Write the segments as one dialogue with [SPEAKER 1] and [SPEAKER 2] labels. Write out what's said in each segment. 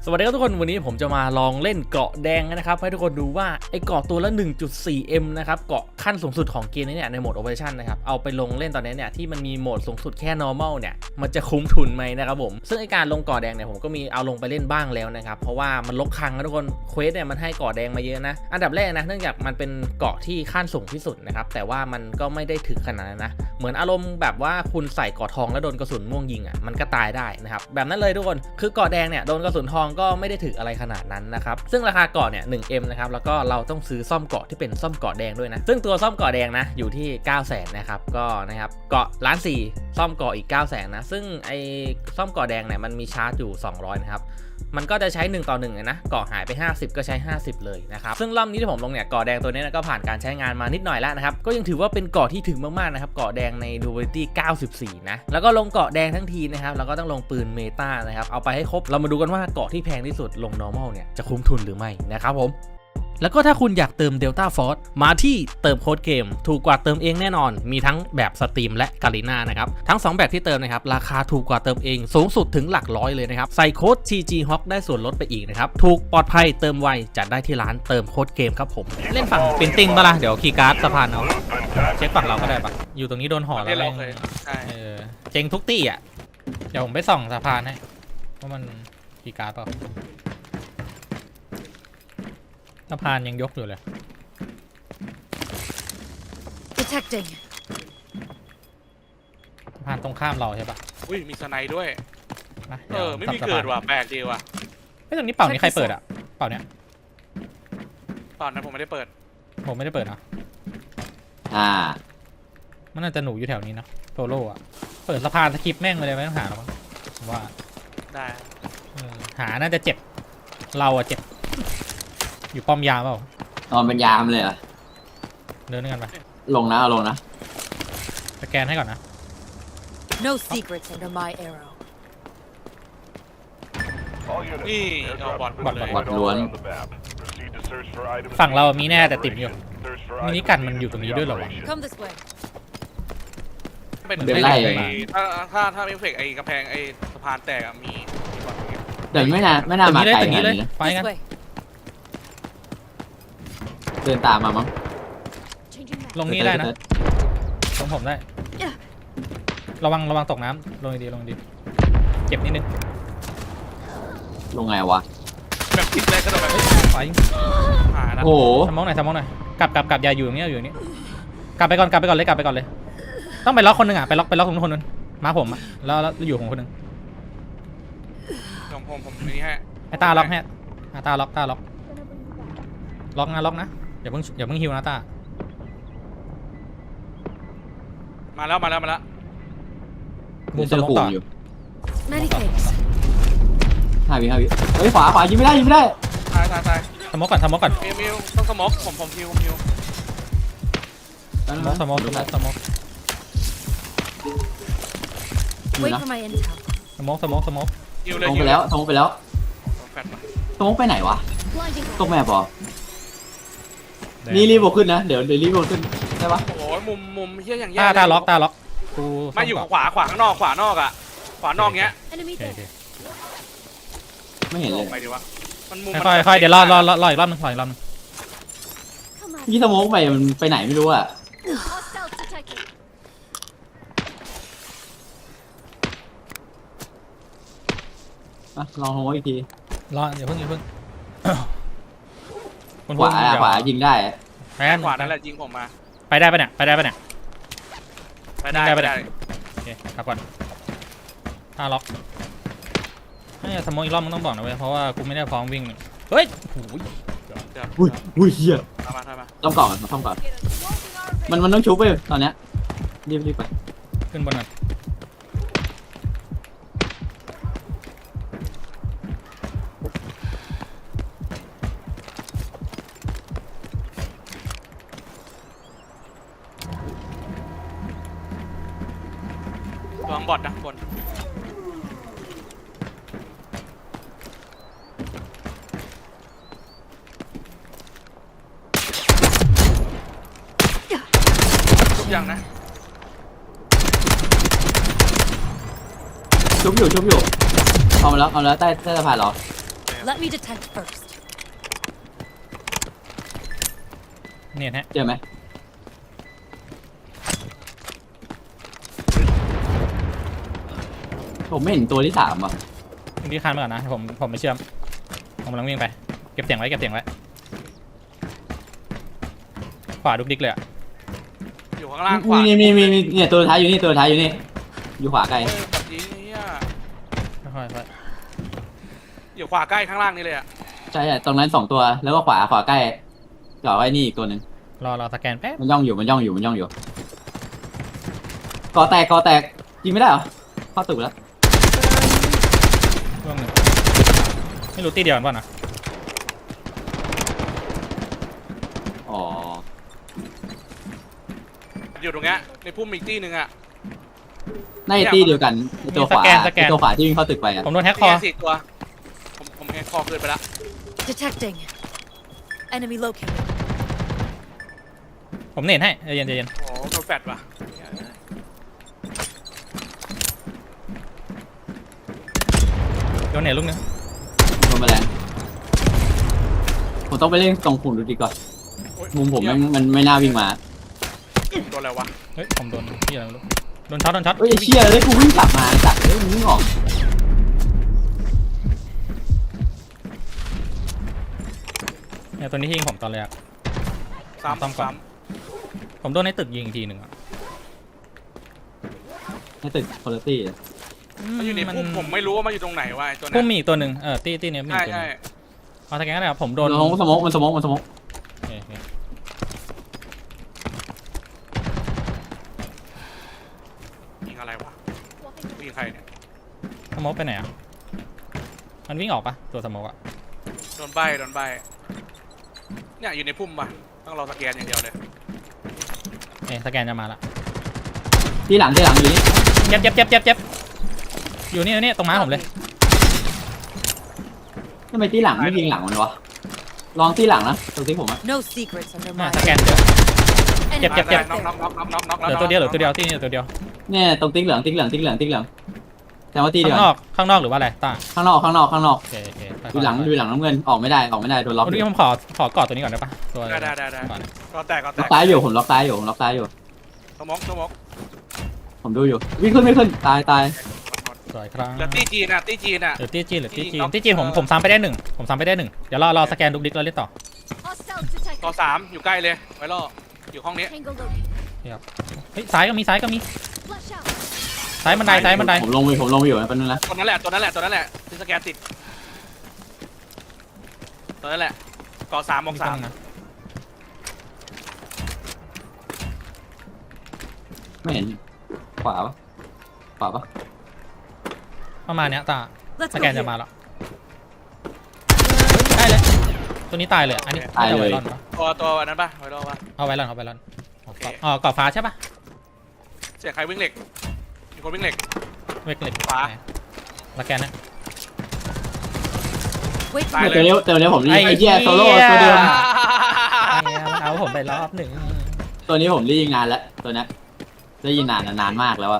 [SPEAKER 1] สวัสดีครับทุกคนวันนี้ผมจะมาลองเล่นเกาะแดงนะครับให้ทุกคนดูว่าไอเกาะตัวละ 1.4M นะครับเกาะขั้นสูงสุดของเกมนี้เนี่ยในโหมด Operation นะครับเอาไปลงเล่นตอนนี้เนี่ยที่มันมีโหมดสูงสุดแค่ normal เนี่ยมันจะคุ้มทุนไหมนะครับผมซึ่งไอการลงเกาะแดงเนี่ยผมก็มีเอาลงไปเล่นบ้างแล้วนะครับเพราะว่ามันลกครั้งนะทุกคนเควสเนี่ยมันให้เกาะแดงมาเยอะนะอันดับแรกนะเนื่องจากมันเป็นเกาะที่ขั้นสูงที่สุดนะครับแต่ว่ามันก็ไม่ได้ถึงขนาดนั้นนะเหมือนอารมณ์แบบว่าคุณใส่เกาะทองแล้วโดนกระสุนม่วงยิงอ่ะมันก็ตายได้นะครับแบบนั้นเลยทุกคนคือเกาะแดงเนี่ยโดนกระสุนทองก็ไม่ได้ถึงอะไรขนาดนั้นนะครับซึ่งราคาเกาะเนี่ย 1M นะครับแล้วก็เราต้องซื้อซ่อมเกาะที่เป็นซ่อมเกาะแดงด้วยนะซึ่งตัวซ่อมเกาะแดงนะอยู่ที่ 900,000 นะครับก็นะครับเกาะ1.4 ล้านซ่อมเกาะอีก 900,000 นะซึ่งไอซ่อมเกาะแดงเนี่ยมันมีชาร์จอยู่200นะครับมันก็จะใช้1 ต่อ 1นะเกาะหายไป50ก็ใช้50เลยนะครับซึ่งรอบนี้ที่ผมลงเนี่ยเกาะแดงตัวนี้ก็ผ่านการใช้งานมานิดหน่อยแล้วนะครับก็ยังถือว่าเป็นเกาะที่ถึงมากๆนะครับเกาะแดงใน Durability 94นะแล้วก็ลงเกาะแดงทั้งทีนะครับเราก็ต้องลงปืนเมตานะครับเอาไปให้ครบเรามาดูกันว่าเกาะที่แพงที่สุดลง normal เนี่ยจะคุ้มทุนหรือไม่นะครับผมแล้วก็ถ้าคุณอยากเติม Delta Force มาที่เติมโค้ดเกมถูกกว่าเติมเองแน่นอนมีทั้งแบบสตรีมและกาลิน่านะครับทั้ง2แบบที่เติมนะครับราคาถูกกว่าเติมเองสูงสุดถึงหลักร้อยเลยนะครับใส่โค้ด TG Hawk ได้ส่วนลดไปอีกนะครับถูกปลอดภัยเติมไวจัดได้ที่ร้านเติมโค้ดเกมครับผมเล่นฝั่งปินติ้งปะล่ะเดี๋ยวคีย์การ์ดสะพานเอาเช็คฝั่งเราก็ได้ปะอยู่ตรงนี้โดนห่อแล้วเจ๊งทุกตี้อ่ะเดี๋ยวผมไปส่องสะพานให้ว่ามันคีย์การ์ดเปล่าสะพานยังยกอยู่เลย
[SPEAKER 2] Detecting
[SPEAKER 1] สะพานตรงข้ามเราใช่ปะ
[SPEAKER 3] อุ้ยมีสไนด์ด้วย
[SPEAKER 1] นะ
[SPEAKER 3] ไม่มีเกิดว่ะแปลกดีว่ะ
[SPEAKER 1] ไม่ตรงนี้เป่านี้ใครเปิดอ่ะเป่าเนี้ย
[SPEAKER 3] ตอนนั้นผมไม่ได้เปิด
[SPEAKER 1] ผมไม่ได้เปิดนะมันน่าจะหนูอยู่แถวนี้นะโซโล่อะเปิดสะพานสกิปแม่งเลยไม่ต้องหาหรอกผมว่า
[SPEAKER 3] ได้
[SPEAKER 1] หาน่าจะเจ็บเราอะเจ็บอยู่ป้อมยามเปล่าน
[SPEAKER 4] อนเป็นยามเลยเหรอ
[SPEAKER 1] เดินด้วยกันไป
[SPEAKER 4] ลงนะเอาลงนะ
[SPEAKER 1] สแกนให้ก่อนนะ
[SPEAKER 2] No secrets under my arrow
[SPEAKER 3] นี่เอาบอดเลย
[SPEAKER 4] บอดล้วน
[SPEAKER 1] ฝั่งเรามีแน่แต่ติดอยู่มินิกันมันอยู่ตรงนี้ด้วยเหรอวะ
[SPEAKER 2] Come this way
[SPEAKER 3] เป็น
[SPEAKER 4] เดินไล่
[SPEAKER 3] ถ้าเอฟเฟกต์ไอ้กระแพงไอ้สะพานแตกมีบอดอย่างเงี้ย
[SPEAKER 4] เดี๋ยวไม่น่ามาไกลข
[SPEAKER 1] ตึกนี้
[SPEAKER 4] นาด
[SPEAKER 1] เลย
[SPEAKER 4] นี้นะ
[SPEAKER 1] ไปกัน
[SPEAKER 2] This way
[SPEAKER 4] เดินตามมามั้ง
[SPEAKER 1] ลงนี้ได้นะลงผมได้ระวังตกน้ำลงดีเจ็บนิดนึง
[SPEAKER 4] ลงไงวะ
[SPEAKER 3] แบบคิดเลยก็ต้องแบบ
[SPEAKER 1] ไป
[SPEAKER 3] หานะ
[SPEAKER 4] โอ้โห
[SPEAKER 1] สมองหน่อยกลับอย่าอยู่อย่างนี้อยู่อย่างนี้กลับไปก่อนเลยต้องไปล็อกคนหนึ่งอ่ะไปล็อกตรงคนนึงมาผมอ่ะแล้วอยู่ของคนนึง
[SPEAKER 3] ผมนี่ฮะ
[SPEAKER 1] ไอ้ตาล็อกฮะตาล็อกนะอย่าเพิ่งฮิวนะตา
[SPEAKER 3] มาแล้ว
[SPEAKER 1] มุมส
[SPEAKER 4] เจอ
[SPEAKER 1] มอง
[SPEAKER 4] ขู่
[SPEAKER 1] ต่อ
[SPEAKER 4] อยู่
[SPEAKER 2] Many thanks
[SPEAKER 4] 5 วิเฮ้ยขวายิงไม่ได้
[SPEAKER 3] ตาย
[SPEAKER 1] สมองก่อน
[SPEAKER 3] มิวต้องสมอกผมฮิว
[SPEAKER 1] สมอง
[SPEAKER 4] อยู่
[SPEAKER 2] Wait
[SPEAKER 4] นะ
[SPEAKER 2] for my intel
[SPEAKER 1] สมอง
[SPEAKER 3] ฮิว
[SPEAKER 4] ต
[SPEAKER 3] เลย
[SPEAKER 4] รงไปแล้ว
[SPEAKER 3] แฟนมา
[SPEAKER 4] ตรงไปไหนวะ
[SPEAKER 2] Blinding
[SPEAKER 4] ตกแม่ปอนี่รีบขึ้นนะเดี๋ยวรีบขึ้นได้ปะ
[SPEAKER 3] โอ้ยมุมเฮี้ยอย่างแย่
[SPEAKER 1] ตาล็อกกู
[SPEAKER 3] ไม่อยู่ขวาข้างนอกขวานอกอ่ะขวานอกเงี้ย
[SPEAKER 2] enemy
[SPEAKER 1] โอเค
[SPEAKER 2] there
[SPEAKER 4] ไม่เห็นเลย
[SPEAKER 3] ไปดีวะมันมุม
[SPEAKER 1] ค่อยเดี๋ยวรออีกรอบนึง
[SPEAKER 2] Come on
[SPEAKER 4] ยี่สโมกมันไปไหนไม่รู้อ่ะ
[SPEAKER 2] Hostile detected
[SPEAKER 4] ลองโฮอีกที
[SPEAKER 1] อย่าเพิ่ง
[SPEAKER 4] ขวายิงได้
[SPEAKER 1] แมน
[SPEAKER 3] ขวานั่นแหละยิงผมมา
[SPEAKER 1] ไปได้ปะเนี่ย
[SPEAKER 3] ไปได้
[SPEAKER 1] โอเคกลับก่อนตาล็อกนี่สมองอีกรอบมึงต้องบอกนะเว้ยเพราะว่ากูไม่ได้พร้อมวิ่งเฮ้ยโอ้ย
[SPEAKER 4] อุ้ยเฮีย
[SPEAKER 3] มา
[SPEAKER 4] ต้องก่อนมันต้องชุบไปตอนเนี้ยรีบไป
[SPEAKER 1] ขึ้นบนหน่อยว
[SPEAKER 3] างบอดนะบนทุกอย่างนะ
[SPEAKER 4] ชุบอยู่เอามาแล้วใต้สะพานเหรอ
[SPEAKER 3] โอเค
[SPEAKER 2] Let me detect first.
[SPEAKER 1] เนี่ยฮะ
[SPEAKER 4] เจอไหมผมไม่เห็นตัวที่สามอ่ะ
[SPEAKER 1] พี่คานมาก่อนนะผมไม่เชื่อมผมกำลังวิ่งไปเก็บเสียงไว้ขวาดุกดิกเลยอะ
[SPEAKER 3] อยู่ข้างล่างขวา
[SPEAKER 4] มีเนี่ยตัวท้ายอยู่นี่อยู่ขวาไกล
[SPEAKER 3] แบบนี้เนี่ย
[SPEAKER 1] ค่อย
[SPEAKER 3] อยู่ขวาใกล้ข้างล่างนี่เลยอ่ะ
[SPEAKER 4] ใช่ตรงนั้น2ตัวแล้วก็ขวาใกล้จ่อไว้นี่อีกตัวหนึ่ง
[SPEAKER 1] รอสแกนแป๊บ
[SPEAKER 4] มันย่องอยู่กอแตกยิงไม่ได้เหรอเข้าตึกแล้ว
[SPEAKER 1] ช่วงหนึ่งไม่รู้ตีเดียวกันป่ะนะ
[SPEAKER 4] อ๋อ
[SPEAKER 3] อยู่ตรงเนี้ยในพุ่มอีกที่หนึ่งอ่ะ
[SPEAKER 4] น่าจะตีเดียวกันไอ้ตัวขวาที่วิ่งเข้าตึกไปอ่ะ
[SPEAKER 1] ผมโดนแฮกคอ
[SPEAKER 3] นี่ไง4ตัวผมแฮกคอขึ้นไปละ
[SPEAKER 2] Detecting. Enemy located.
[SPEAKER 1] ผมเน็ตให้ใจเย็น
[SPEAKER 3] โอ้โหโดนแฟดว่ะ
[SPEAKER 1] โดนเน็ตลูกนึง
[SPEAKER 4] โดนแมลงผมต้องไปเล่นตรงขุนดูดีก่อน
[SPEAKER 3] โอ๊ย
[SPEAKER 4] มุมผมมันไม่น่าวิ่งมา
[SPEAKER 3] โดนอะไรวะ
[SPEAKER 1] เฮ้ยผมโดนที่อะไรไม่รู้โดนช็อต
[SPEAKER 4] เฮ้ยไอ้เชี่ยเลยกูวิ่งกลับมาจัดเลยมึงวิ่งออก
[SPEAKER 1] เนี่ยตัวนี้ที่ยิงผมตอนแรก
[SPEAKER 3] ซ้
[SPEAKER 1] ซ้ำก่อน ผมโดนในตึกยิงอีกทีหนึ่งอะ
[SPEAKER 4] ในตึกคุณภาพ
[SPEAKER 3] มันอยู่ในพุ่มผมไม่รู้ว่ามันอยู่ตรงไหนวะไอ้ตัว
[SPEAKER 1] พุ่
[SPEAKER 3] นั้
[SPEAKER 1] ม
[SPEAKER 3] น
[SPEAKER 1] มีอีกตัวหนึ่งตีเนี้ยมีอี
[SPEAKER 3] ใช่
[SPEAKER 1] กตัวห
[SPEAKER 3] ใช่
[SPEAKER 1] นึงเอาสแกนก็ได้ครับผมโด
[SPEAKER 4] โด
[SPEAKER 1] น
[SPEAKER 4] นสมอง
[SPEAKER 1] โอเค
[SPEAKER 3] ยิงอะไรวะยิงใครเนี่ย
[SPEAKER 1] สโมกไปไหนอะมันวิ่งออกปะตัวสโมกอะ
[SPEAKER 3] โดนใบเนี่ยอยู่ในพุ่มป่ะต้องรอสแกนอย่างเดียวเลย
[SPEAKER 1] สแกนจะมาละ
[SPEAKER 4] ที่หลังอยู่นี่
[SPEAKER 1] เจ็บอยู่นี่ตรงม้าผมเลย
[SPEAKER 4] ทำไมที่หลังไม่ยิงหลังมันวะลองที่หลังนะตรงที่ผมอะ
[SPEAKER 2] No secrets under
[SPEAKER 1] มา
[SPEAKER 2] my
[SPEAKER 1] สแกน
[SPEAKER 2] arrow.
[SPEAKER 1] เจ็บ
[SPEAKER 2] Enemy
[SPEAKER 3] น็อก
[SPEAKER 2] right
[SPEAKER 3] น็อก
[SPEAKER 2] there.
[SPEAKER 3] น็อกน็อกน็อก
[SPEAKER 1] เหลือตัวเดียวที่นี่ตัวเดียว
[SPEAKER 4] เนี่ยตรงติ๊กเหลืองแต่ว่าที่เดียว
[SPEAKER 1] ข้างนอกหรือว่าอะไรต้า
[SPEAKER 4] ข้างนอก
[SPEAKER 1] โอเค
[SPEAKER 4] อยู่หลังน้ำเงินออกไม่ได้โดนล็อก
[SPEAKER 1] วันนี้ผมขอกอดตัวนี้ก่อนได้ปะตัว
[SPEAKER 3] ได้
[SPEAKER 1] ก่อน
[SPEAKER 3] ก็แตก
[SPEAKER 4] ล็อกซ้ายอยู่ผมล็อกซ้ายอยู่
[SPEAKER 3] สมอง
[SPEAKER 4] ผมดูอยู่วิ่งขึ้นตาย
[SPEAKER 1] สวยครับ
[SPEAKER 3] เหลือตีจีนอ่ะ
[SPEAKER 1] หรือตีจีนผมซ้ำไปได้หนึ่งเดี๋ยวรอสแกนดุกดิกแล้วเล่นต่อ
[SPEAKER 2] Hostile
[SPEAKER 3] ต่อ
[SPEAKER 2] detected.
[SPEAKER 3] 3อยู่ใกล้เลยไว้รออยู่ห้องนี้
[SPEAKER 2] Tango located.
[SPEAKER 1] เฮ้ยซ้ายก็มี
[SPEAKER 2] Flash out.
[SPEAKER 1] ซ้ายบันได
[SPEAKER 4] ผมลงไปอยู่นะแป๊บนึงนะ
[SPEAKER 3] ตัวนั้นแหละที่สแกนติดตัวนั้นแหละก่อ3บอก3
[SPEAKER 1] นะ
[SPEAKER 4] ไม่เห็นขวาปะ
[SPEAKER 1] ประมาณเนี้ยตา
[SPEAKER 2] Let's
[SPEAKER 1] ส
[SPEAKER 2] go
[SPEAKER 1] แกนจะ
[SPEAKER 2] here.
[SPEAKER 1] มาแล้วตัวนี้ตายเลยอันนี้ไวรอนปะ
[SPEAKER 3] ตัวอันนั้นป่ะไว้รอป่ะ
[SPEAKER 1] เอาไวรอนกรอบฟ้าใช่ปะ
[SPEAKER 3] เสียงใครวิ่งเหล็กมีคนวิ่งเหล็ก
[SPEAKER 1] เวกเล็ก
[SPEAKER 3] ฟ้า
[SPEAKER 1] สแกนนะ
[SPEAKER 2] Wait
[SPEAKER 3] ตาย
[SPEAKER 2] for
[SPEAKER 3] เล
[SPEAKER 4] เดี๋ยวนี้ผมไอ้เหี้ยโซโล่
[SPEAKER 1] ไอ้เหี้ย
[SPEAKER 4] ตัวเดิม
[SPEAKER 1] มันเอาผมไปรอบหนึ่ง
[SPEAKER 4] ตัวนี้ผมได้ยิงนานแล้วตัวนี้ได้ยิงนานมากแล้วอะ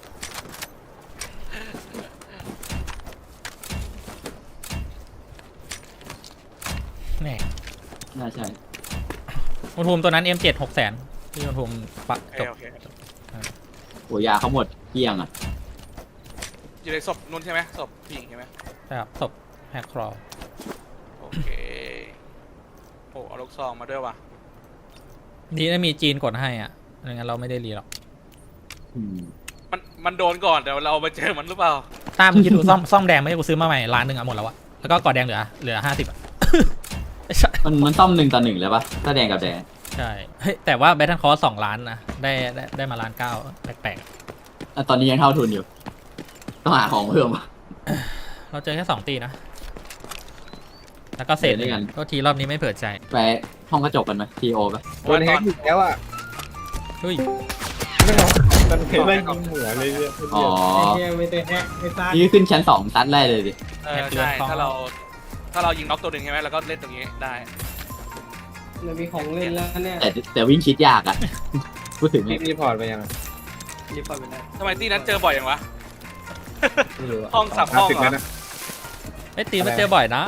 [SPEAKER 1] แหน่
[SPEAKER 4] น่าใช่
[SPEAKER 1] อุณหภูมิตัวนั้น M7 600,000ที่อุณหภูมิปะจบ
[SPEAKER 3] โอเค
[SPEAKER 4] โหยาเขาหมดเกลี้ยงอะ
[SPEAKER 3] อยู่ในศพนุ่นใช่ไหมศพผู้หญิงใช่ไหม
[SPEAKER 1] ครับศพแฮกครอ
[SPEAKER 3] โอเคโอ้เอาลูกซองมาด้วยว่ะ
[SPEAKER 1] ดีนะมีจีนกดให้อ่ะไม่งั้นเราไม่ได้รีหรอก
[SPEAKER 4] อืม
[SPEAKER 3] มันโดนก่อนแต่เราไปเจอมันหรือเปล่า
[SPEAKER 1] ตามคิดดูซ่อมแดงไม่ใช่กูซื้อมาใหม่ล้านหนึ่งอ่ะหมดแล้วอะแล้วก็กอดแดงเหลือ50อ่ะ
[SPEAKER 4] มันซ่อม1-1เลยปะถ้าแดงกับแดง
[SPEAKER 1] ใช่เฮ้ยแต่ว่าแบทเทิลคอร์2 ล้านนะได้มา1.9 ล้านแปลก
[SPEAKER 4] แต่ตอนนี้ยังเท่าทุนอยู่ต้องหาของเพิ่มอะ
[SPEAKER 1] ๆเราเจอแค่2 ตีนะแล้วก็เศษ
[SPEAKER 4] เดี๋ยวด้วยกัน
[SPEAKER 1] ก็ทีรอบนี้ไม่เผื่อใจ
[SPEAKER 4] ไปห้องกระจกกันไหมทีโอปะ
[SPEAKER 5] โดนแฮกอีกแล้วอ่ะ
[SPEAKER 1] เฮ้ย
[SPEAKER 5] ไม่เอามันเคยไล่ยิงหัวเลยเนี่ย
[SPEAKER 4] อ๋อ
[SPEAKER 5] ไม่ได้แฮกไม่ตาย
[SPEAKER 4] นี่ขึ้นชั้น2ซัดได้เลยดิ
[SPEAKER 3] ใช่ถ้าเรายิงน็อกตัวหนึ่งใช่ไหมแล้วก็เล่นตรงนี้ได้
[SPEAKER 5] มันมีของเล่นแล้วเนี่ย
[SPEAKER 4] แต่วิ่งชิดยากอะ พูดถึงเนี่ย
[SPEAKER 5] รีพอร์ตไปยัง
[SPEAKER 6] รีพอร์ตไปได้
[SPEAKER 3] ทำไมที่นั้นเจอบ่อยอย่างวะ
[SPEAKER 5] ไม่รู้ะ
[SPEAKER 3] ห้องสับห้องเหรอ
[SPEAKER 5] 30แล้วนะ
[SPEAKER 1] ไอ้ตีมันเจอบ่อยนะ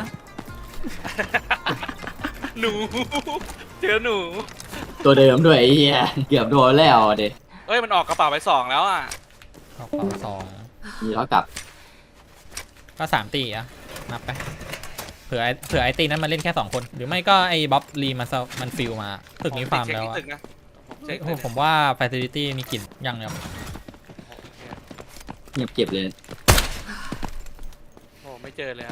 [SPEAKER 3] หนู เจอหนู
[SPEAKER 4] ตัวเดิมด้วยไอ้เหี้ยเกือบโดนแล้วเด็ด
[SPEAKER 3] เอ้ยมันออกกระเป๋าไป2แล้วอ่ะ
[SPEAKER 1] เอาเป่าสอง
[SPEAKER 4] มีแล้วกลับ
[SPEAKER 1] ก็3ตีอะนับไปเผื่อไอ้ตีนั้นมาเล่นแค่2คนหรือไม่ก็ไอ้บ๊อบลีมันฟิลมาตึกนี้ฟาร์มแล้ว
[SPEAKER 3] ผม
[SPEAKER 1] อะ
[SPEAKER 3] เช็คที่ตึกนะผมเช็ค
[SPEAKER 1] โอ้โหผมว่า facility มีกลิ่นยังครับ
[SPEAKER 4] เงียบเก็บเลย
[SPEAKER 3] โอ้ไม่เจอเลยอะ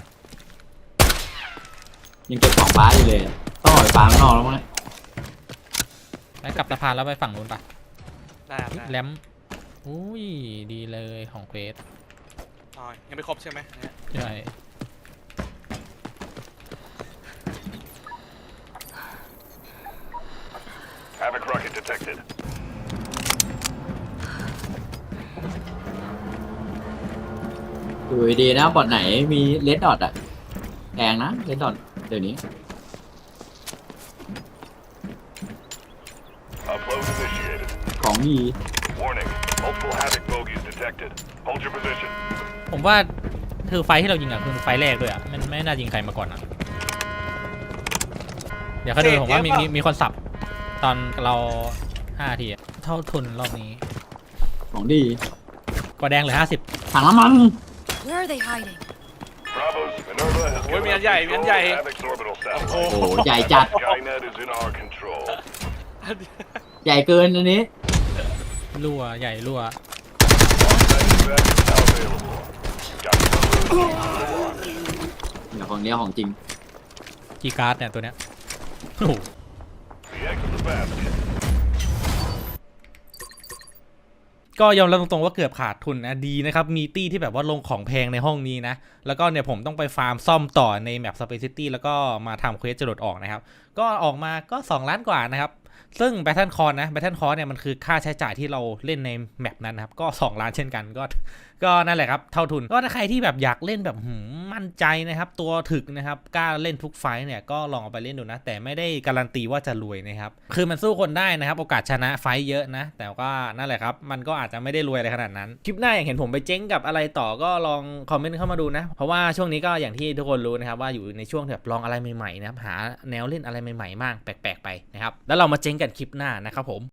[SPEAKER 4] ยังเก็บของฟ้าอยู่เลยต้องออกไปฟ้าข้างนอกแล้วมั้งเนี่ย
[SPEAKER 1] ไปกลับสะพานแล้วไปฝั่งนู้นปะ
[SPEAKER 3] ได้ครับได้
[SPEAKER 1] แรมอุ้ยดีเลยของเควส
[SPEAKER 3] อ๋อยังไม่ครบใช่ไหมเนี่ย
[SPEAKER 1] ใช่
[SPEAKER 6] Havoc rocket detected.
[SPEAKER 4] ดูดีนะบอดไหนมีเลดดอทอะแพงนะเลดดอทเดี๋ยวนี้
[SPEAKER 6] Upload initiated.
[SPEAKER 4] ของดี
[SPEAKER 6] Warning. Multiple Havoc bogies detected. Hold your position.
[SPEAKER 1] ผมว่าคือไฟที่เรายิงอะคือไฟแรกด้วยอะมันไม่น่ายิงใครมาก่อนอะเดี๋ยวเขาดูผมว่ามีคนสับตอนเรา5 ทีอะเท่าทุนรอบนี้
[SPEAKER 4] ของดี
[SPEAKER 1] กอแดงเหลือ50
[SPEAKER 4] ถังน้ำมัน
[SPEAKER 2] Where are they hiding?
[SPEAKER 6] Bravos, Minerva has
[SPEAKER 3] Ôi,
[SPEAKER 6] given
[SPEAKER 3] miếng
[SPEAKER 6] us
[SPEAKER 3] dày,
[SPEAKER 6] control
[SPEAKER 3] miếng
[SPEAKER 6] of
[SPEAKER 3] dày.
[SPEAKER 6] Havoc's orbital
[SPEAKER 3] โอ้โห
[SPEAKER 6] satellite.
[SPEAKER 4] โอ้โหใหญ่จัด
[SPEAKER 6] Skynet is in our control.
[SPEAKER 4] ใหญ่เกินอันนี้
[SPEAKER 1] รั่วใหญ่รั่ว
[SPEAKER 6] On-site evac is now available. Got some
[SPEAKER 4] เดี๋ยวของเนี้ยของจริง
[SPEAKER 1] กีการ์ดเนี่ยตัวเนี้ยโอ้โห
[SPEAKER 6] the eggs of the basket.
[SPEAKER 1] ก็ยอมรับตรงๆว่าเกือบขาดทุนนะดีนะครับมีตี้ที่แบบว่าลงของแพงในห้องนี้นะแล้วก็เนี่ยผมต้องไปฟาร์มซ่อมต่อในแมป Space City แล้วก็มาทำเควสจรดออกนะครับก็ออกมาก็2 ล้านกว่านะครับซึ่ง Battle Core นะ Battle Core เนี่ยมันคือค่าใช้จ่ายที่เราเล่นในแมปนั้นนะครับก็2 ล้านเช่นกันก็นั่นแหละครับเท่าทุนก็ถ้าใครที่แบบอยากเล่นแบบมั่นใจนะครับตัวถึกนะครับกล้าเล่นทุกไฟท์เนี่ยก็ลองเอาไปเล่นดูนะแต่ไม่ได้การันตีว่าจะรวยนะครับคือมันสู้คนได้นะครับโอกาสชนะไฟท์เยอะนะแต่ว่านั่นแหละครับมันก็อาจจะไม่ได้รวยอะไรขนาดนั้นคลิปหน้าอย่างเห็นผมไปเจ๊งกับอะไรต่อก็ลองคอมเมนต์เข้ามาดูนะเพราะว่าช่วงนี้ก็อย่างที่ทุกคนรู้นะครับว่าอยู่ในช่วงแบบลองอะไรใหม่ๆนะครับหาแนวเล่นอะไรใหม่ๆมากแปลกๆไปนะครับแล้วเรามาเจ๊งกันคลิปหน้านะครับผม